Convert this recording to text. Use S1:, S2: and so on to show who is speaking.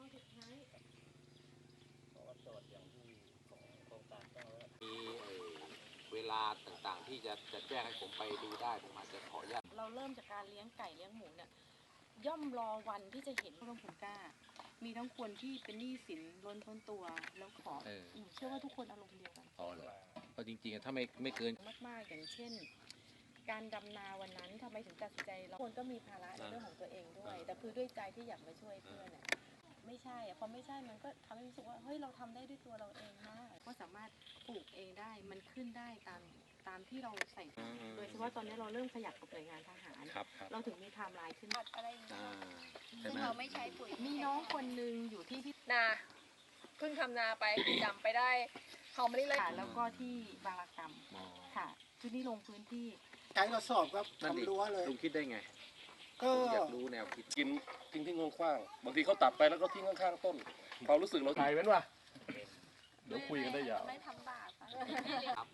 S1: อสุดท้าย
S2: เพราะว่าโจทย์อย่างที่ของโครงการแจ้งไว้มีเวลาต่างๆที่จะแจ้งให้ผมไปดูได้ผมอาจจะขออนุญาต
S1: เราเริ่มจากการเลี้ยงไก่เลี้ยงหมูเนี่ยย่อมรอวันที่จะเห็นร่วมผลกล้ามีทั้งคนที่เป็นหนี้สินล้นพ้นตัวแล้วขอเชื่อว่าทุกคนอารมณ์เดียวกัน
S2: อ๋อเหรอเพราะจริงๆถ้าไม่เกิน
S1: มากๆอย่างเช่น การดำนาวันนั้นทำไมถึงตัดสินใจเราคนก็มีภาระในเรื่องของตัวเองด้วยแต่คือด้วยใจที่อยากมาช่วยเพื่อนเนี่ยไม่ใช่พอไม่ใช่มันก็ทำให้รู้สึกว่าเฮ้ยเราทำได้ด้วยตัวเราเองนะก็สามารถปลูกเองได้มันขึ้นได้ตามที่เราใส่โดยเฉพาะตอนนี้เราเริ่มขยับกับหน่วยงานทหารเราถึงมีไทม์ไลน์ขึ้น
S3: อะไรอย่างเงี้ยซึ่งเราไม่ใช้ปุ๋ย
S1: มีน้องคนนึงอยู่ที่
S3: นาเพิ่งทำนาไปจำไปได้เขาไม่ได้เลย
S1: แล้วก็ที่บางระกำค่ะชุดนี้ลงพื้นที่
S4: ใช้กระสอบครับทำรั้วเลย
S2: ลุงคิดได้ไง
S4: ก็
S2: อยากรู้แนวคิด
S5: ทิ้งทิ้งงขว้างบางทีเขาตัดไปแล้วก็ทิ้งข้างๆต้นความรู้สึกเราถ่ายไว้ว่ะเดี๋ยวคุยกันได้ยาว
S3: ไม่ทำบาป
S2: ครับ